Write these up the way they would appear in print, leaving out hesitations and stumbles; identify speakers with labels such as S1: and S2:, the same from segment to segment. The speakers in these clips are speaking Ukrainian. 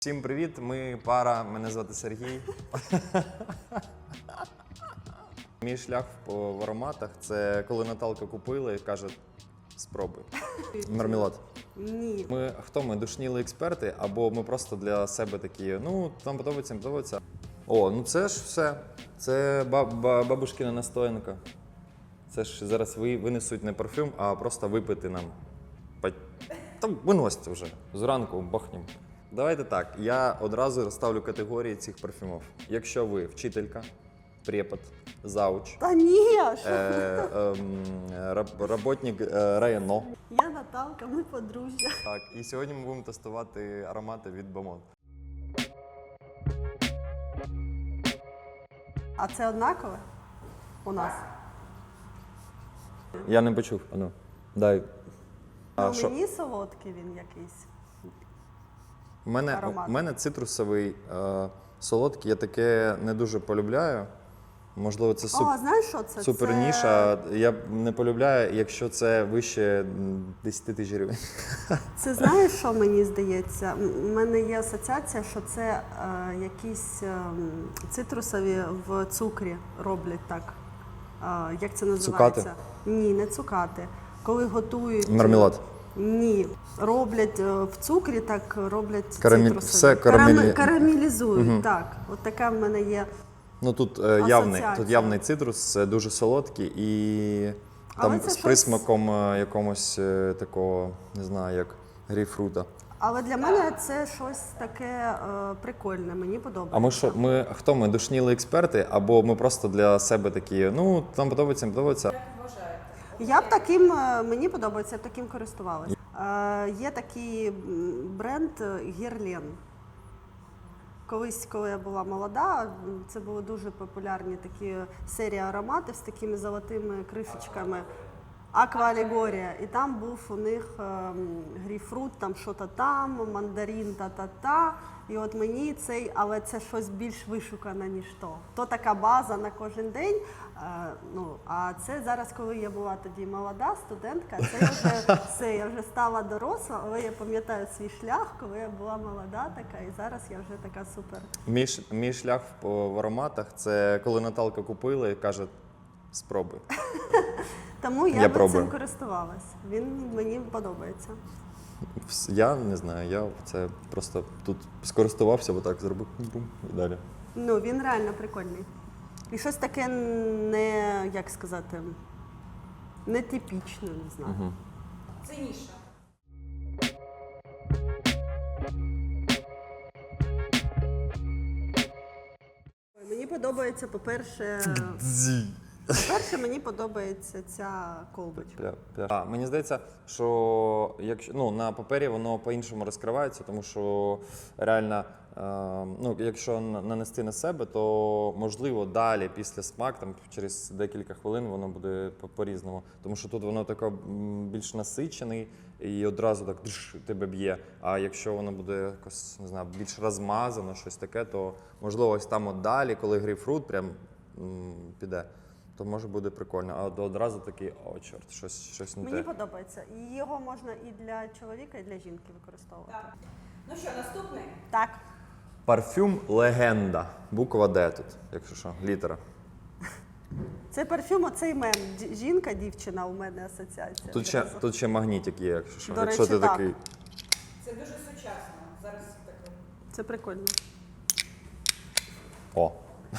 S1: Всім привіт, ми пара, мене звати Сергій. Мій шлях в ароматах – це коли Наталка купила і каже, спробуй. Мармелад.
S2: Ні.
S1: Ми душніли експерти, або ми просто для себе такі, ну, нам подобається, не подобається. О, ну це ж все. Це бабушкина настоянка. Це ж зараз винесуть не парфюм, а просто випити нам. Там виносьте вже, зранку бахнем. Давайте так, я одразу розставлю категорії цих парфюмів. Якщо ви вчителька, препод, зауч,
S2: Та ні!
S1: работник районо.
S2: Я Наталка, ми подружжя.
S1: Так, і сьогодні ми будемо тестувати аромати від Бомон.
S2: А це однакове у нас?
S1: Я не почув, ану, дай.
S2: Ну, мені солодкий він якийсь.
S1: У
S2: Аромат.
S1: мене цитрусовий, солодкий, я таке не дуже полюбляю. Можливо, це
S2: Знаєш, що це?
S1: супер ніша. Я не полюбляю, якщо це вище 10 тисяч гривень.
S2: Це знаєш, що мені здається? У мене є асоціація, що це якісь цитрусові в цукрі роблять так. Як це називається?
S1: Цукати?
S2: Ні, не цукати. Коли готують...
S1: Мармелад.
S2: Ні, роблять в цукрі, так роблять
S1: Все
S2: цитрусові. Карамелізують, так. От така в мене є.
S1: Ну тут
S2: асоціація.
S1: явний цитрус, це дуже солодкий і там з присмаком якомусь такого, не знаю, як грейпфрута.
S2: Але для мене це щось таке прикольне, мені подобається.
S1: А ми душніли експерти, або ми просто для себе такі, ну, нам подобається, не подобається.
S2: Я б таким, мені подобається, я б таким користувалася. Є такий бренд Герлен. Колись, коли я була молода, це були дуже популярні такі серії ароматів з такими золотими кришечками. Аква-алегорія. І там був у них грейпфрут, там що-то там, мандарин, та-та-та. І от мені цей, але це щось більш вишукане, ніж то. То така база на кожен день. А це зараз, коли я була тоді молода студентка, це я вже все, я вже стала доросла, але я пам'ятаю свій шлях, коли я була молода така, і зараз я вже така супер.
S1: Мій шлях в ароматах – це коли Наталка купила і каже, спробуй.
S2: Тому я цим користувалась. Він мені подобається.
S1: Я не знаю, я це просто тут скористувався, отак зробив бум, і далі.
S2: Ну, він реально прикольний. І щось таке як сказати, нетипічне, не знаю.
S1: Угу.
S3: Це ніша.
S2: Мені подобається, по-перше, мені подобається ця колбочка.
S1: Мені здається, що на папері воно по-іншому розкривається, тому що реально, якщо нанести на себе, то можливо далі після смак, там через декілька хвилин воно буде по-різному. Тому що тут воно таке більш насичений і одразу так тебе б'є. А якщо воно буде якось, не знаю, більш розмазано, щось таке, то можливо ось там от далі, коли грейпфрут прям піде, то може буде прикольно, а одразу такий, чорт, щось не те.
S2: Мені подобається. І його можна і для чоловіка, і для жінки використовувати.
S3: Так. Ну що, наступний?
S2: Так.
S1: Парфюм «Легенда». Буква «Д» тут, якщо що, літера.
S2: Це парфюм, оцей мем. Жінка, дівчина, у мене асоціація.
S1: Тут ще магнітик є, якщо що.
S2: До
S1: Якщо
S2: речі,
S1: ти
S2: так.
S1: такий.
S3: Це дуже сучасно. Зараз таке.
S2: Це прикольно.
S1: О.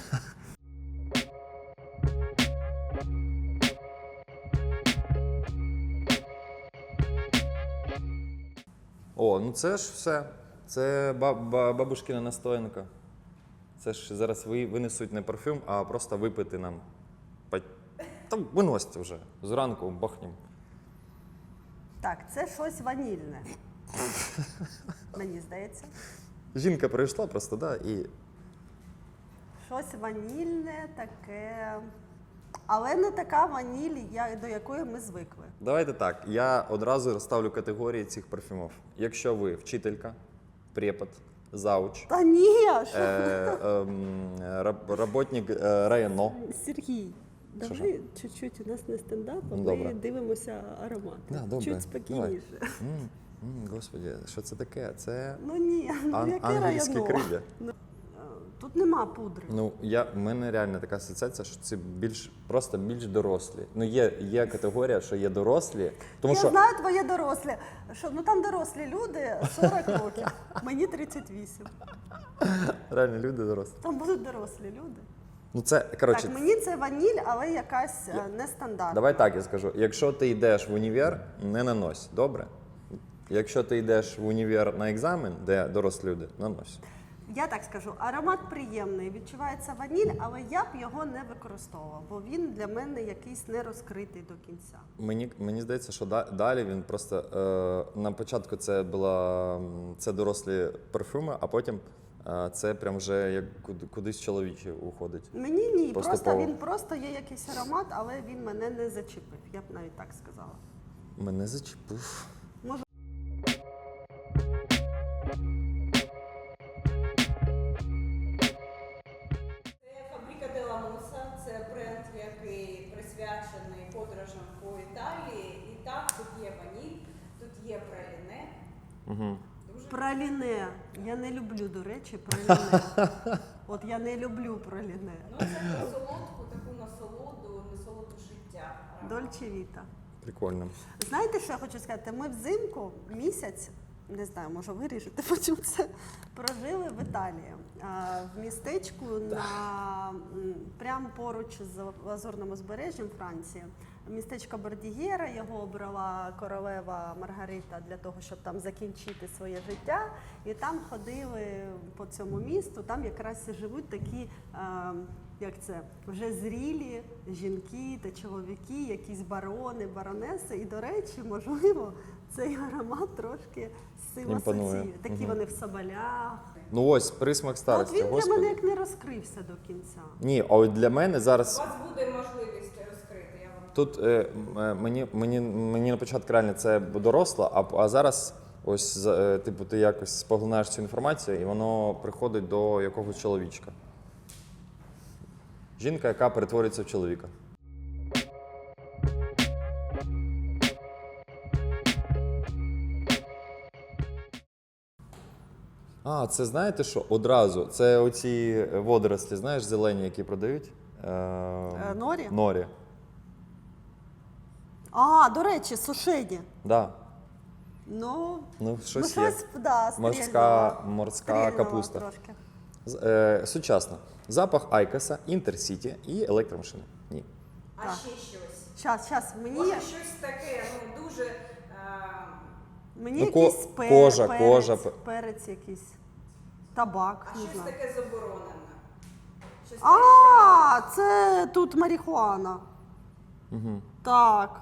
S1: Ну це ж все. Це бабушкина настоянка. Це ж зараз винесуть не парфюм, а просто випити нам. Там виносьте вже, зранку бахнем.
S2: Так, це щось ванільне. Мені здається.
S1: Жінка прийшла просто, і...
S2: Щось ванільне таке. Але не така ваніль, до якої ми звикли.
S1: Давайте так, я одразу розставлю категорії цих парфюмів. Якщо ви вчителька, препод, зауч,
S2: Та ні!
S1: работник районо.
S2: Сергій, давай чуть-чуть, у нас не стендап, а ми
S1: Добре.
S2: дивимося аромати.
S1: Добре.
S2: Чуть спокійніше.
S1: Господи, що це таке? Це
S2: Ну ні, ну яке
S1: англійські
S2: районо?
S1: крилля.
S2: Тут нема пудри.
S1: Ну, в мене реально така асоціація, що це просто більш дорослі. Ну, є категорія, що є дорослі, тому
S2: Я
S1: що
S2: знаю твоє дорослі. Що, ну там дорослі люди 40 років, мені 38.
S1: реально люди дорослі.
S2: Там будуть дорослі люди.
S1: Ну, це, коротше,
S2: Так, мені це ваніль, але якась нестандартна.
S1: давай так я скажу. Якщо ти йдеш в універ, не нанось, добре? Якщо ти йдеш в універ на екзамен, де дорослі люди, нанось.
S2: Я так скажу, аромат приємний, відчувається ваніль, але я б його не використовувала, бо він для мене якийсь не розкритий до кінця.
S1: Мені здається, що далі він просто на початку це дорослі парфюми, а потім це прям вже як кудись чоловіче уходить.
S2: Мені ні,
S1: Поступово.
S2: він просто є якийсь аромат, але він мене не зачепив, я б навіть так сказала.
S1: Мене зачепив.
S2: Може,
S3: Це Фабрика Делла Муса, це бренд, який присвячений подорожам по Італії. І так, тут є ваніль, тут є праліне.
S1: Угу.
S3: Дуже
S2: праліне. Я не люблю, до речі, праліне. От я не люблю праліне.
S3: ну, це про солодку, таку насолоду життя.
S2: Дольче Віта.
S1: Прикольно.
S2: Знаєте, що я хочу сказати? Ми взимку місяць, не знаю, може виріжете потім це, прожили в Італії. В містечку прямо поруч з Лазурним узбережжям Франції. Містечко Бордігєра, його обрала королева Маргарита для того, щоб там закінчити своє життя. І там ходили по цьому місту, там якраз і живуть такі, як це, вже зрілі жінки та чоловіки, якісь барони, баронеси. І, до речі, можливо, цей аромат трошки з цим
S1: Імпонує.
S2: асоціює. Такі вони в соболях.
S1: Ну ось присмак
S2: Ну, от
S1: старості.
S2: він для
S1: Господи.
S2: мене як не розкрився до кінця.
S1: Ні, а от для мене
S3: У
S1: зараз
S3: вас буде можливість розкрити, я вам
S1: тут мені на початку реально це доросло, а зараз ось типу ти якось споглинаєш цю інформацію, і воно приходить до якогось чоловічка. Жінка, яка перетворюється в чоловіка. А, це знаєте що? Одразу. Це оці водорослі, знаєш, зелені, які продають?
S2: Норі?
S1: Норі.
S2: А, до речі, сушені.
S1: Да.
S2: Ну,
S1: Щось
S2: ну,
S1: є.
S2: щось, да,
S1: Морська
S2: стрільнуло
S1: капуста.
S2: Трошки.
S1: Сучасно. Запах Айкоса, Інтерсіті і електромашини. Ні.
S3: А
S2: Так.
S3: ще щось.
S2: Щас, мені,
S3: Може щось таке, ну дуже
S2: мені
S1: Ну,
S2: якийсь
S1: кожа,
S2: перець,
S1: кожа.
S2: перець якийсь, табак,
S3: а
S2: не
S3: щось
S2: знаю.
S3: таке заборонене. Щось
S2: А, це тут марихуана.
S1: Угу.
S2: Так.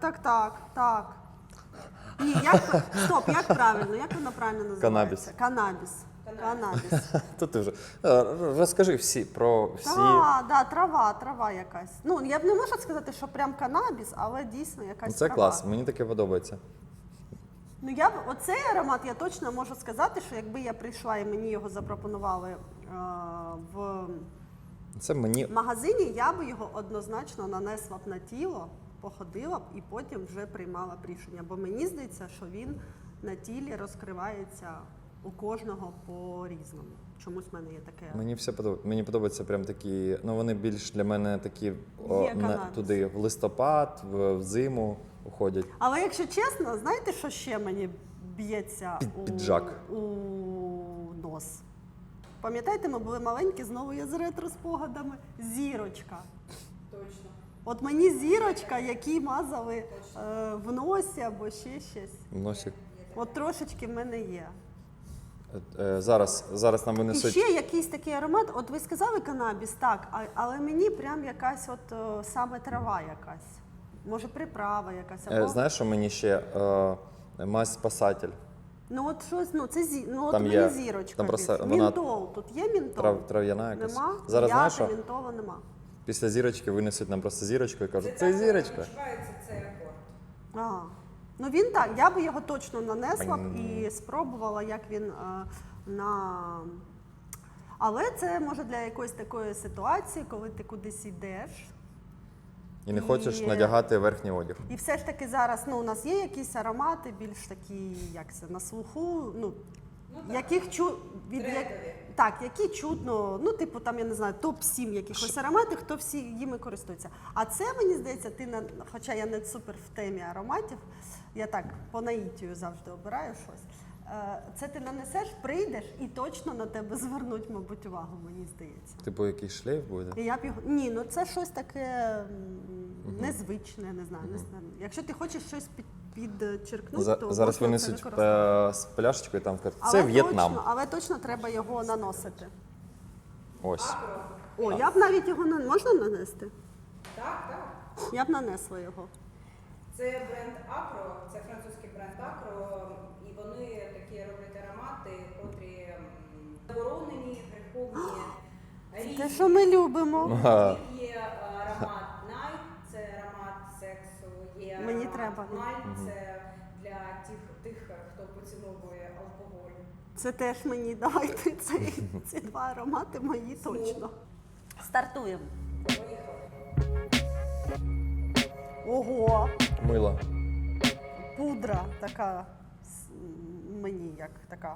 S2: Ні, як правильно, як воно правильно називається? Канабіс.
S1: То ти вже розкажи про всі.
S2: Так, трава якась. Ну, я б не можу сказати, що прям канабіс, але дійсно якась
S1: Це
S2: трава.
S1: клас, мені таке подобається.
S2: Ну, оцей аромат я точно можу сказати, що якби я прийшла і мені його запропонували в
S1: Це мені
S2: магазині, я б його однозначно нанесла б на тіло, походила б і потім вже приймала б рішення. Бо мені здається, що він на тілі розкривається у кожного по-різному. Чомусь в мене є таке.
S1: Мені все подобається. Мені подобаються прям такі, ну вони більш для мене такі
S2: канабіс.
S1: туди в листопад, в зиму уходять.
S2: Але якщо чесно, знаєте, що ще мені б'ється
S1: Піджак.
S2: у нос? Пам'ятаєте, ми були маленькі, знову я з ретро-спогадами. Зірочка.
S3: точно.
S2: От мені зірочка, які мазали в носі або ще щось.
S1: Носик.
S2: От трошечки в мене є.
S1: Зараз нам
S2: І
S1: винесуть.
S2: ще якийсь такий аромат. От ви сказали канабіс, так, але мені прям якась саме трава якась. Може приправа якась. Або...
S1: Знаєш, що мені ще мазь спасатель.
S2: Ну от щось, от
S1: Там
S2: мені
S1: є-
S2: зірочка.
S1: там просто
S2: більше.
S1: вона
S2: Мінтол, тут є мінтол?
S1: Трав'яна якась.
S2: Нема?
S1: Зараз знаєш,
S2: М'яти,
S1: що
S2: мінтола нема.
S1: після зірочки винесуть нам просто зірочку і кажуть, це
S3: так
S1: зірочка.
S3: відчувається цей акорд.
S2: Ага. Ну він так, я би його точно нанесла б і спробувала, як він Але це може для якоїсь такої ситуації, коли ти кудись йдеш,
S1: І не хочеш надягати верхній одяг.
S2: І все ж таки зараз у нас є якісь аромати, більш такі, як це, на слуху, яких які чутно, типу там, я не знаю, топ-7 якихось ароматів, хто всі їми користується. А це, мені здається, хоча я не супер в темі ароматів, я так по наїтію завжди обираю щось. Це ти нанесеш, прийдеш і точно на тебе звернуть, мабуть, увагу, мені здається.
S1: Типу якийсь шлейф буде?
S2: І я б його... Ні, це щось таке незвичне, не знаю. Якщо ти хочеш щось підчеркнути, то
S1: зараз
S2: можна це
S1: винесуть
S2: використовувати.
S1: з пляшечкою, там кажуть, це В'єтнам.
S2: Але точно треба його наносити.
S1: Ось.
S2: О, я б навіть його можна нанести?
S3: Так.
S2: Я б нанесла його.
S3: Це бренд Acro, це французький бренд Acro, і вони такі роблять аромати, котрі заборонені, греховні, різні.
S2: Те, що ми любимо.
S3: У них є аромат Night, це аромат сексу, є
S2: Мені
S3: аромат
S2: треба.
S3: Night, це для тих, хто поціновує алкоголь.
S2: Це теж мені давайте. Ці два аромати мої точно. Стартуємо. Ого!
S1: Мило.
S2: Пудра така мені як така.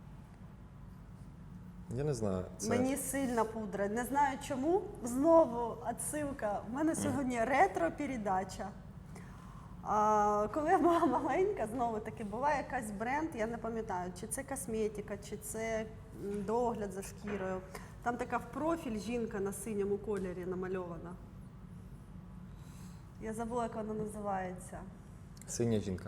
S1: Я не знаю.
S2: Мені сильна пудра. Не знаю чому. Знову відсилка. У мене сьогодні ретро-передача. Коли я була маленька, знову таки була якась бренд, я не пам'ятаю, чи це косметика, чи це догляд за шкірою. Там така в профіль жінка на синьому кольорі намальована. Я забула, як вона називається.
S1: Синя жінка.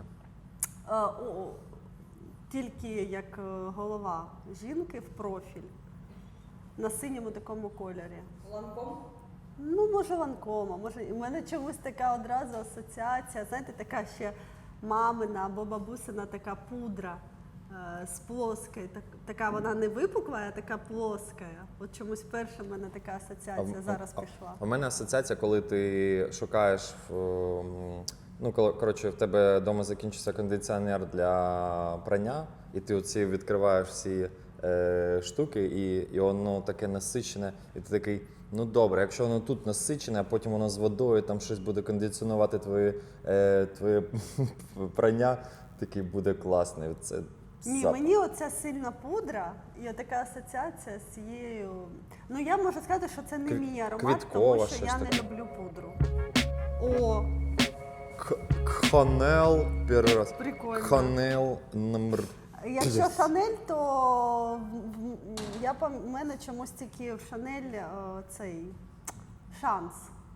S2: Тільки як голова жінки в профіль. На синьому такому кольорі.
S3: Ланком?
S2: Може ланкома, може. У мене чомусь така одразу асоціація, знаєте, така ще мамина або бабусина така пудра з плоскою. Така вона не випукла, а така плоска. От чомусь перша в мене така асоціація зараз пішла.
S1: У мене асоціація, коли ти шукаєш, коротше, в тебе вдома закінчився кондиціонер для прання, і ти оці відкриваєш всі штуки, і воно таке насичене, і ти такий, ну добре, якщо воно тут насичене, а потім воно з водою, там щось буде кондиціонувати твоє прання, такий буде класний. Це
S2: Ні,
S1: запах.
S2: мені оця сильна пудра і така асоціація з цією. Я можу сказати, що це не мій аромат,
S1: квіткова,
S2: тому що
S1: щось
S2: я не
S1: таке.
S2: люблю пудру. О,
S1: Ханел, перший раз.
S2: прикольно.
S1: Ханел номер.
S2: Якщо Шанель, то в мене чомусь тільки в Шанель цей шанс.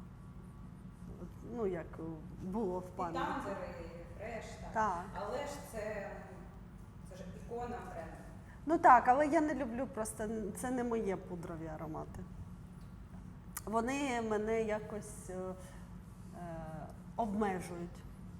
S2: Як було в
S3: І
S2: пам'яті.
S3: танзери, і фреш,
S2: Так.
S3: Але ж це ж ікона бренду.
S2: Так, але я не люблю просто, це не моє пудрові аромати. Вони мене якось обмежують.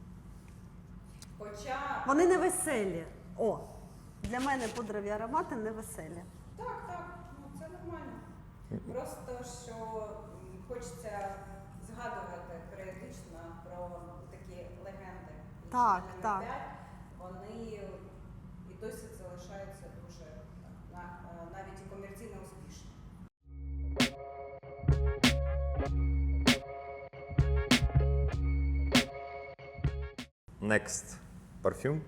S3: Хоча
S2: Вони не веселі. Для мене пудрові аромати не веселі.
S3: так, це нормально. Просто що хочеться згадувати періодично про такі легенди. І
S2: Так,
S3: Chanel
S2: так.
S3: 5, вони і досі залишаються дуже навіть і комерційно успішні.
S1: Next. Парфюм.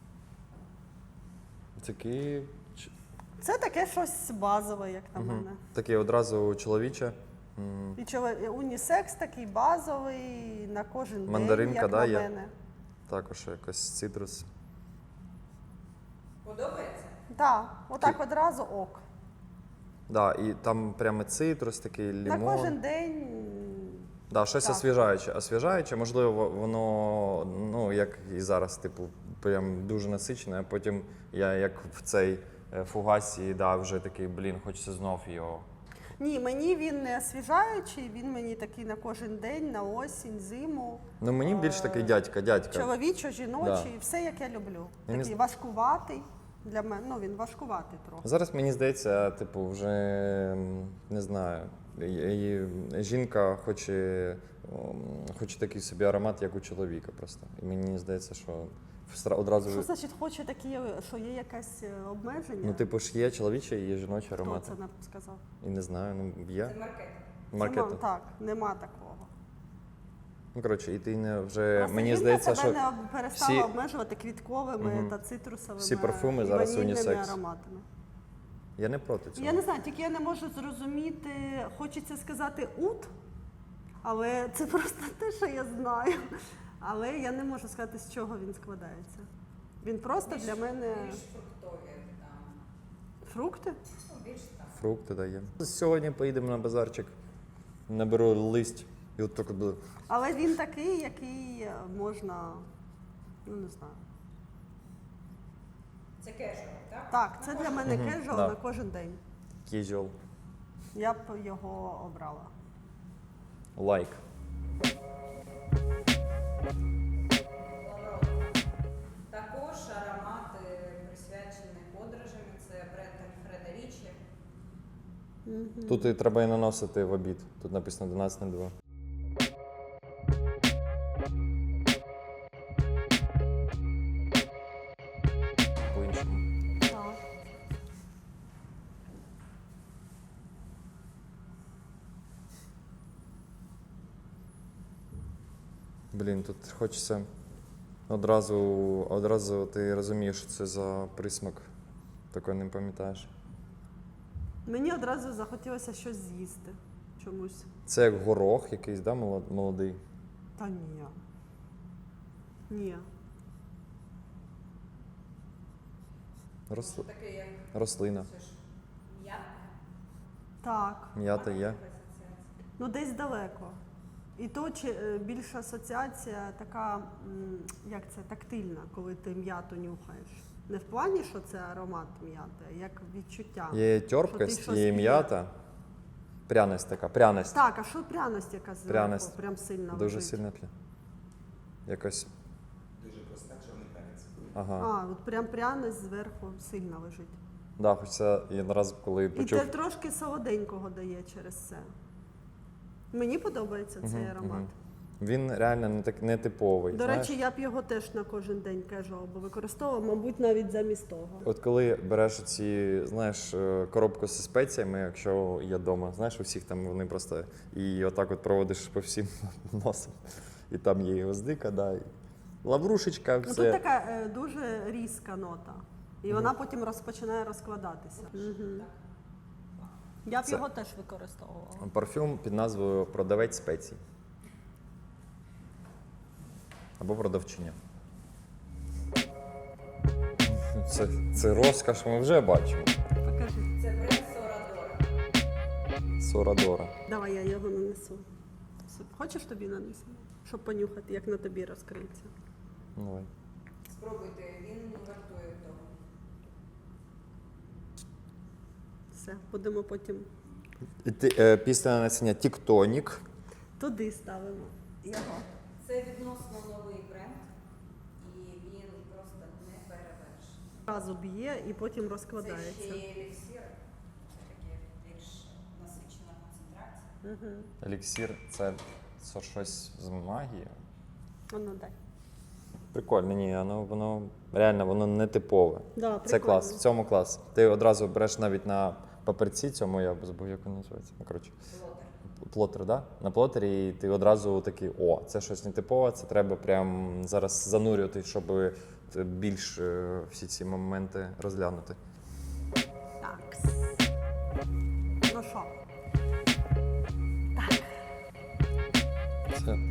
S1: Такий.
S2: Це таке щось базове, як на мене.
S1: Такий одразу чоловіче.
S2: І унісекс такий базовий на кожен
S1: Мандаринка,
S2: день, як
S1: да,
S2: на
S1: є?
S2: мене.
S1: Також якось цитрус.
S3: Подобається?
S2: Так, отак одразу ок.
S1: Да, і там прямо цитрус, такий
S2: На
S1: лимон.
S2: кожен день.
S1: Да, щось
S2: Так.
S1: освіжаюче. Освіжаюче, можливо, воно, як і зараз, типу, прям дуже насичене, а потім я як в цей фугасі, вже такий, хочеться знов його.
S2: Ні, мені він не освіжаючий, він мені такий на кожен день, на осінь, зиму.
S1: Мені більш такий дядька.
S2: Чоловічо, жіночий, все як я люблю.
S1: Я не
S2: Такий важкуватий. Для мене, він важкуватий трохи.
S1: Зараз мені здається, типу, вже не знаю. Жінка хоче такий собі аромат, як у чоловіка просто. І мені здається, що одразу.
S2: Що значить хоче такі, що є якесь обмеження?
S1: Типу ж є чоловічий і є жіночий
S2: Хто
S1: аромат.
S2: це сказав?
S1: І не знаю, є.
S3: Це маркетинг.
S1: Маркетинг.
S2: Так, нема такого.
S1: Ну, коротше, і ти не вже,
S2: Просто
S1: мені
S2: жінка
S1: здається,
S2: себе
S1: що
S2: не перестала
S1: всі-
S2: обмежувати квітковими та цитрусовими
S1: Всі парфуми
S2: і
S1: зараз
S2: ванільними
S1: унісекс.
S2: ароматами.
S1: я не проти цього.
S2: Я не знаю, тільки я не можу зрозуміти, хочеться сказати ут, але це просто те, що я знаю. Але я не можу сказати, з чого він складається. Він просто для мене
S3: Більш фруктові там.
S2: фрукти.
S3: Ну, більш там.
S1: Фрукти дає. Сьогодні поїдемо на базарчик, наберу листь і от так буде.
S2: Але він такий, який можна, ну не знаю.
S3: Це кежуал, так?
S2: Так, це для мене кежуал
S1: да.
S2: на кожен день.
S1: Кізіол.
S2: Я б його обрала.
S1: Лайк.
S3: Також аромати присвячені подорожам. Це бренд Альфреда Річі.
S1: Тут і треба і наносити в обід. Тут написано 12:02. По-іншому.
S2: Так.
S1: Блін, тут хочеться одразу ти розумієш, що це за присмак. Такого не пам'ятаєш.
S2: Мені одразу захотілося щось з'їсти чомусь.
S1: Це як горох якийсь, да, молодий?
S2: Та ні. Ні.
S1: Рос-
S3: Таке як
S1: Рослина.
S3: це ж м'ята.
S2: Так.
S1: М'ята є.
S2: Ну десь далеко. І то більша асоціація така, як це, тактильна, коли ти м'яту нюхаєш. Не в плані, що це аромат м'яти, а як відчуття.
S1: Є
S2: що
S1: терпкость,
S2: ти щось
S1: є
S2: п'є.
S1: м'ята. Пряність така, пряність.
S2: Так, а що пряність яка зверху?
S1: Пряність.
S2: Прям сильно
S1: Дуже
S2: лежить?
S1: сильно п'є. Якось.
S4: Дуже проста чорний перець.
S1: Ага.
S2: А, от прям пряність зверху сильно лежить.
S1: Да, хочеться і одразу, коли
S2: І
S1: почув.
S2: те трошки солоденького дає через це. Mені подобається цей аромат.
S1: Він реально не типовий.
S2: До
S1: знаєш?
S2: речі, я б його теж на кожен день кежуал би використовувала, мабуть, навіть замість того.
S1: От коли береш ці, знаєш, коробку зі спеціями, якщо є вдома, знаєш, у всіх там вони просто і отак от проводиш по всім носом. І там є і гвоздика, да, і лаврушечка,
S2: Ну,
S1: все.
S2: тут така дуже різка нота. І вона потім розпочинає розкладатися. Я б
S1: Це-
S2: його теж використовувала.
S1: Парфюм під назвою Продавець спецій. Або продавчиня. Це розкаш, ми вже бачимо.
S2: Покажи.
S3: Це бренд Сорадора.
S1: Сорадора.
S2: Давай я його нанесу. Хочеш тобі нанесу? Щоб понюхати, як на тобі розкриється.
S1: Давай.
S3: Спробуйте, він вартує того.
S2: Все, будемо потім
S1: Після нанесення Тіктонік.
S2: туди ставимо його.
S3: Це відносно новий бренд, і він просто не перевершений.
S2: Разу б'є і потім
S3: Це
S2: розкладається.
S3: ще є еліксир, це таке більш насичена концентрація.
S1: Еліксір це щось з магії.
S2: Ну, дай.
S1: Прикольно, ні, воно реально воно не типове.
S2: Да,
S1: Це
S2: прикольно.
S1: клас, в цьому клас. Ти одразу береш навіть на папірці цьому, я забув, як він називається. Ну, коротше,
S3: Плотер.
S1: плотер, да? На плотері, і ти одразу такий, о, це щось нетипове, це треба прям зараз занурювати, щоб більш всі ці моменти розглянути.
S2: Так. Ну що?
S1: Це...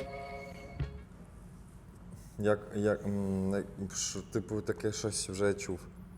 S1: Типу, таке щось вже чув.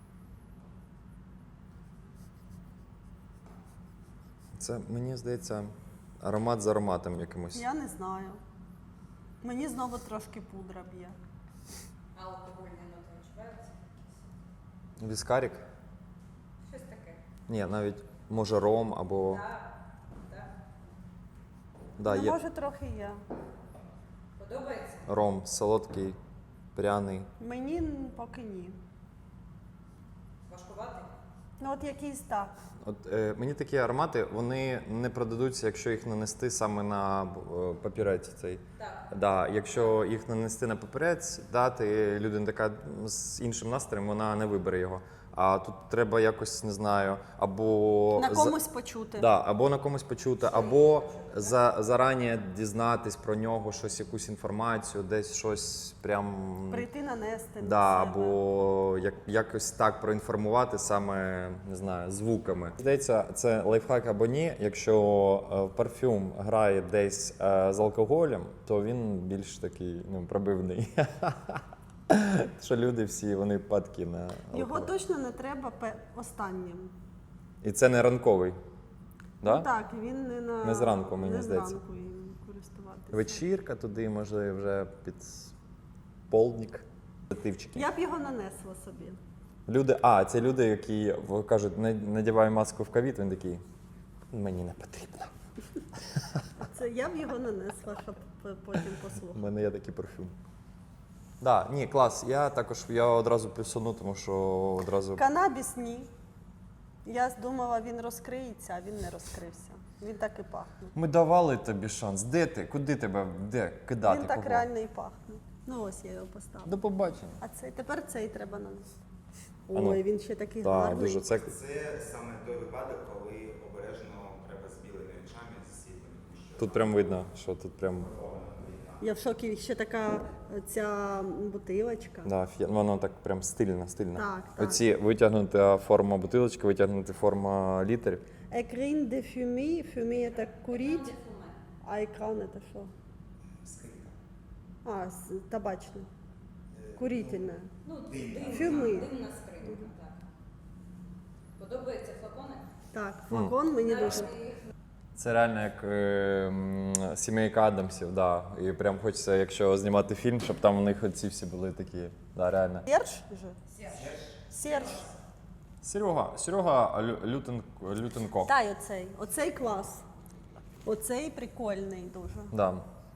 S1: Це, мені здається, аромат з ароматом якимось.
S2: Я не знаю. Мені знову трошки пудра б'є.
S3: Алкогольні ноти відчуваються якісь?
S1: Віскарік?
S3: Щось таке.
S1: Ні, навіть може ром або.
S3: Так.
S1: Да,
S2: Ну,
S1: є
S2: може, трохи є.
S3: Подобається?
S1: ром, солодкий, пряний.
S2: Мені поки ні.
S3: Важкуватий?
S2: Ну, от якийсь так.
S1: От мені такі аромати, вони не продадуться, якщо їх нанести саме на папірець цей.
S3: Так.
S1: Да, якщо їх нанести на папірець, дати людина така з іншим настроєм, вона не вибере його. А тут треба якось, не знаю, або
S2: На комусь почути.
S1: Да, або на комусь почути, або зарані дізнатись про нього щось, якусь інформацію, десь щось прям.
S2: Прийти нанести на
S1: Да,
S2: себе.
S1: або якось так проінформувати саме, не знаю, звуками. Здається, це лайфхак або ні. Якщо парфюм грає десь з алкоголем, то він більш такий пробивний. Що люди всі, вони падки на алкоголь.
S2: Його точно не треба останнім.
S1: І це не ранковий. Да?
S2: Ну так, він
S1: Не зранку, мені
S2: не
S1: здається.
S2: зранку їм користуватися.
S1: Вечірка туди, може, вже під полдник. Тивчики.
S2: Я б його нанесла собі.
S1: Люди, це люди, які кажуть, надівай маску в ковід, він такий, мені не потрібно.
S2: Це я б його нанесла, щоб потім
S1: У
S2: послухати.
S1: мене є такий парфюм. Да, ні, клас. Я одразу плюсану, тому що одразу.
S2: Канабіс ні. Я думала, він розкриється, а він не розкрився. Він так і пахне.
S1: Ми давали тобі шанс. Де ти? Куди тебе? Де кидати?
S2: Він так
S1: кого?
S2: реально і пахне. Ну ось я його поставила.
S1: До побачення.
S2: А тепер цей треба нанести.
S1: ну.
S2: Ой, він ще такий
S1: Так,
S2: гарний.
S1: дуже це.
S4: Це саме той випадок, коли обережно треба з білими очами, з світлими. Тому що
S1: Тут прям видно, що тут прям.
S2: Я в шокі, ще така ця бутилочка.
S1: Да, воно так прям стильно.
S2: Так, так.
S1: Оці витягнута форма бутилочки, витягнута форма літер.
S2: Екрін де фюмі. Фюмі – це курить, а екран – це що?
S4: скрипка.
S2: Табачне. Курительне.
S3: Ну,
S2: Фюми.
S3: димна скринька, так. Подобаються флакони?
S2: Так, флакон мені дуже.
S3: Наразі їх
S1: Це реально як сімейка Адамсів, да. І прям хочеться, якщо знімати фільм, щоб там у них оці всі були такі. Да, реально.
S2: Серж же? Серж.
S1: Серега Лютенко.
S2: Та й оцей. Оцей клас. Оцей прикольний дуже.
S1: Да.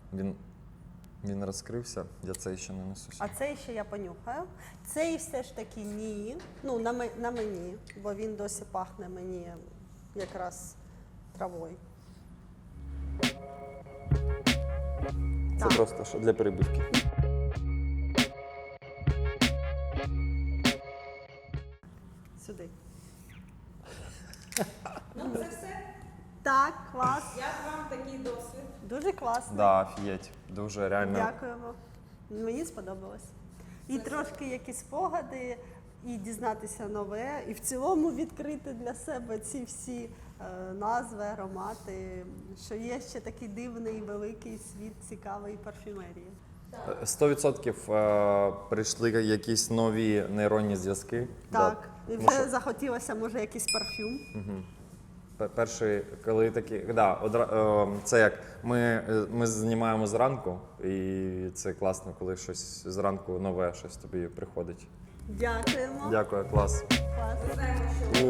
S1: Він розкрився, я цей ще не несуся.
S2: А цей ще я понюхаю. Цей все ж таки ні. Ну, на мені, бо він досі пахне мені якраз травою.
S1: Це
S2: Так.
S1: просто що для перебивки.
S2: Сюди.
S3: Ну, це все.
S2: Так, клас.
S3: Як вам такий досвід?
S2: Дуже класно.
S1: Да, офігеть. Дуже реально.
S2: Дякуємо. Мені сподобалось. І трошки якісь спогади, і дізнатися нове, і в цілому відкрити для себе ці всі назви, аромати, що є ще такий дивний великий світ цікавої парфюмерії.
S1: 100% прийшли якісь нові нейронні зв'язки.
S2: Так,
S1: Да.
S2: і
S1: Тому
S2: вже захотілося, може, якийсь парфюм.
S1: Перший, коли такі, це як ми знімаємо зранку, і це класно, коли щось зранку нове, щось тобі приходить.
S2: Дякуємо.
S1: Дякую, клас.
S2: Клас.
S3: Ми знаємо, що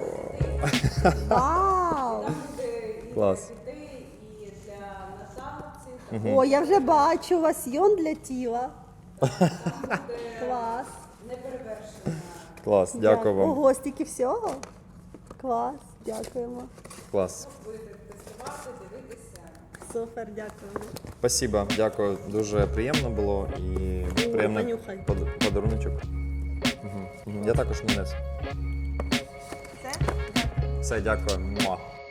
S2: Вау!
S3: там буде і
S1: Клас.
S3: для дітей, і для наталців.
S2: О, я вже бачу лосьйон для тіла.
S3: Там буде
S2: Клас.
S3: неперевершена.
S1: Клас, дякую вам.
S2: Ого, стільки всього. Клас, дякуємо.
S1: Клас.
S3: Будете тестувати, дивитися.
S2: Супер, дякуємо.
S1: Спасибо, дякую. Дуже приємно було і приємний
S2: понюхай.
S1: подаруночок. Я також не нес.
S2: Все?
S1: Все, дякую. Муа.